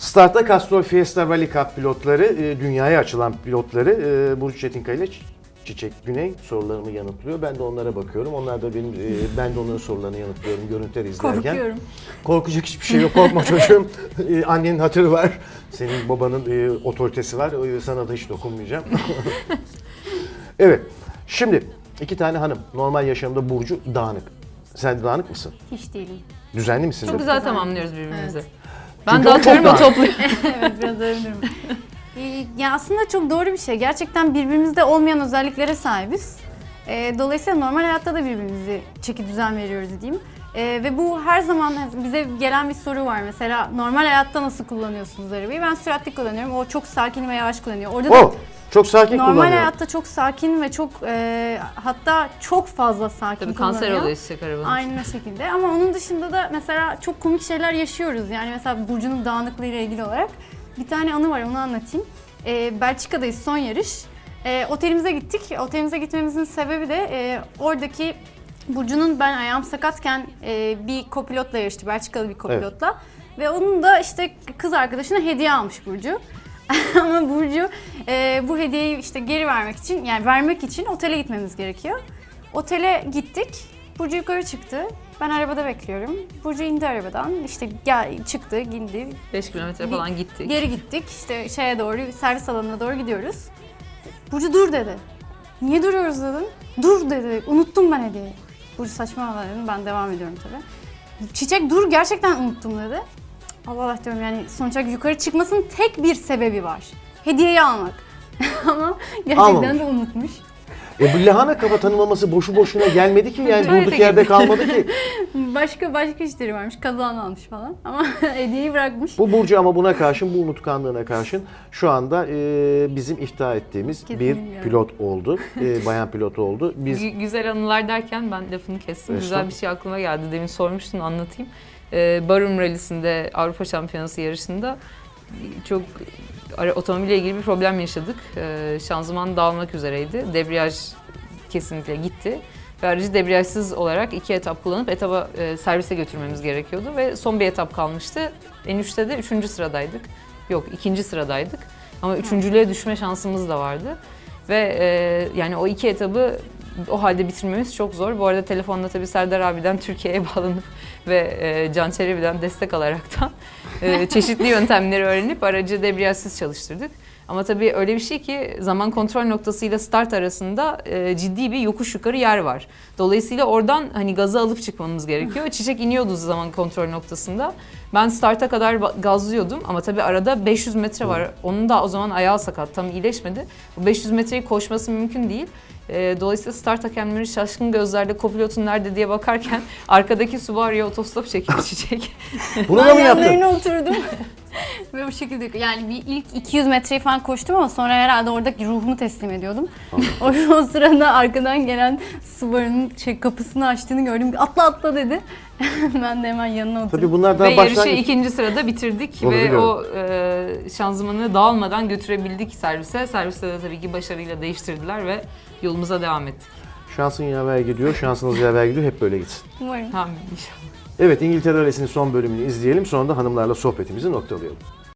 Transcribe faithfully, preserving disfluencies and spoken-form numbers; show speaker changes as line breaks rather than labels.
Start'ta Castrol Fiesta Rally Cup pilotları, e, dünyaya açılan pilotları e, Burcu Çetinkaya ile Çiçek Güney sorularımı yanıtlıyor. Ben de onlara bakıyorum. Onlar da benim, e, ben de onların sorularını yanıtlıyorum görüntüleri izlerken.
Korkuyorum.
Korkacak hiçbir şey yok. Korkma çocuğum. E, annenin hatırı var. Senin babanın e, otoritesi var. O, sana da hiç dokunmayacağım. Evet. Şimdi iki tane hanım. Normal yaşamda Burcu dağınık. Sen de dağınık mısın?
Hiç değilim.
Düzenli misin?
Çok güzel tamamlıyoruz birbirimizi.
Evet.
Ben
Çünkü o
dağıtıyorum,
çok
o topluyor.
Evet, biraz öyle bir durum. Ee, Ya aslında çok doğru bir şey. Gerçekten birbirimizde olmayan özelliklere sahibiz. Ee, dolayısıyla normal hayatta da birbirimizi çeki düzen veriyoruz diyeyim. Ee, ve bu her zaman bize gelen bir soru var. Mesela normal hayatta nasıl kullanıyorsunuz arabayı? Ben süratli kullanıyorum. O çok sakin ve yavaş kullanıyor. Orada da
O çok sakin
normal
kullanıyor.
hayatta çok sakin ve çok e, hatta çok fazla sakin
Tabii
kullanıyor.
kanser oluyor çiçek arabanın.
Aynen o şekilde. Ama onun dışında da mesela çok komik şeyler yaşıyoruz. Yani mesela Burcu'nun dağınıklığı ile ilgili olarak bir tane anı var, onu anlatayım. Ee, Belçika'dayız, son yarış. Ee, otelimize gittik. Otelimize gitmemizin sebebi de e, oradaki Burcu'nun, ben ayağım sakatken e, bir kopilotla yarıştı. Belçikalı bir kopilotla. Ve onun da işte kız arkadaşına hediye almış Burcu. Ama Burcu e, bu hediyeyi işte geri vermek için, yani vermek için otele gitmemiz gerekiyor. Otele gittik. Burcu yukarı çıktı. Ben arabada bekliyorum. Burcu indi arabadan. İşte gel, çıktı, indi.
beş kilometre falan gittik.
Geri gittik. İşte şeye doğru, servis alanına doğru gidiyoruz. Burcu dur dedi. Niye duruyoruz dedim. Dur dedi. Unuttum ben hediyeyi. Burcu saçmalama dedim. Ben devam ediyorum tabii. Çiçek dur, gerçekten unuttum dedi. Allah Allah diyorum, yani sonuç olarak yukarı çıkmasının tek bir sebebi var. Hediyeyi almak. Ama gerçekten
Almamış.
de unutmuş.
E bu lahana kafa tanımlaması boşu boşuna gelmedi ki, yani
Tuvalete
durduk yerde
girdi.
kalmadı ki.
Başka başka işleri varmış. Kazağını almış falan. Ama hediyeyi bırakmış.
Bu Burcu ama buna karşın, bu unutkanlığına karşın şu anda e, bizim iftihar ettiğimiz
Kesinlikle.
bir pilot oldu. E, bayan pilot oldu. Biz
Gü- Güzel anılar derken ben lafını kestim. Güzel
Estağfurullah.
bir şey aklıma geldi. Demin sormuştun, anlatayım. Ee, Barum Rally'sinde, Avrupa Şampiyonası yarışında çok ara- otomobille ilgili bir problem yaşadık. Ee, şanzıman dağılmak üzereydi. Debriyaj kesinlikle gitti. Ve aracı debriyajsız olarak iki etap kullanıp etaba e, servise götürmemiz gerekiyordu. Ve son bir etap kalmıştı. En üçte de üçüncü sıradaydık. Yok, ikinci sıradaydık. Ama üçüncülüğe düşme şansımız da vardı. Ve e, yani o iki etabı o halde bitirmemiz çok zor. Bu arada telefonda tabii Serdar abiden Türkiye'ye bağlanıp ve e, Can Çelebi'den destek alaraktan e, çeşitli yöntemleri öğrenip aracı debriyajsız çalıştırdık. Ama tabii öyle bir şey ki zaman kontrol noktasıyla start arasında e, ciddi bir yokuş yukarı yer var. Dolayısıyla oradan hani gazı alıp çıkmamız gerekiyor. Çiçek iniyordu zaman kontrol noktasında. Ben starta kadar ba- gazlıyordum ama tabii arada beş yüz metre var. Onun da o zaman ayağı sakat, tam iyileşmedi. Bu beş yüz metreyi koşması mümkün değil. E, dolayısıyla start hakemleri şaşkın gözlerle kopilotun nerede diye bakarken arkadaki Subaru'ya otostop çekiyor Çiçek.
bunu da
Ben
mı yaptın?
yanlarına oturdum. Ve bu şekilde, yani bir ilk iki yüz metreyi falan koştum ama sonra herhalde oradaki ruhumu teslim ediyordum. o, o sırada arkadan gelen Subaru'nun şey, kapısını açtığını gördüm. Atla atla dedi. Ben de hemen yanına oturdum.
Tabii bunlar daha
Ve yarışı
başlangıç.
ikinci sırada bitirdik
Onu
ve
biliyorum.
o e, şanzımanı dağılmadan götürebildik servise. Serviste de tabii ki başarıyla değiştirdiler ve yolumuza devam ettik.
Şansın yaver gidiyor, şansınız yaver gidiyor. Hep böyle gitsin.
Umarım.
Tamam inşallah.
Evet, İngiltere Rally'sinin son bölümünü izleyelim. Sonra da hanımlarla sohbetimizi noktalayalım.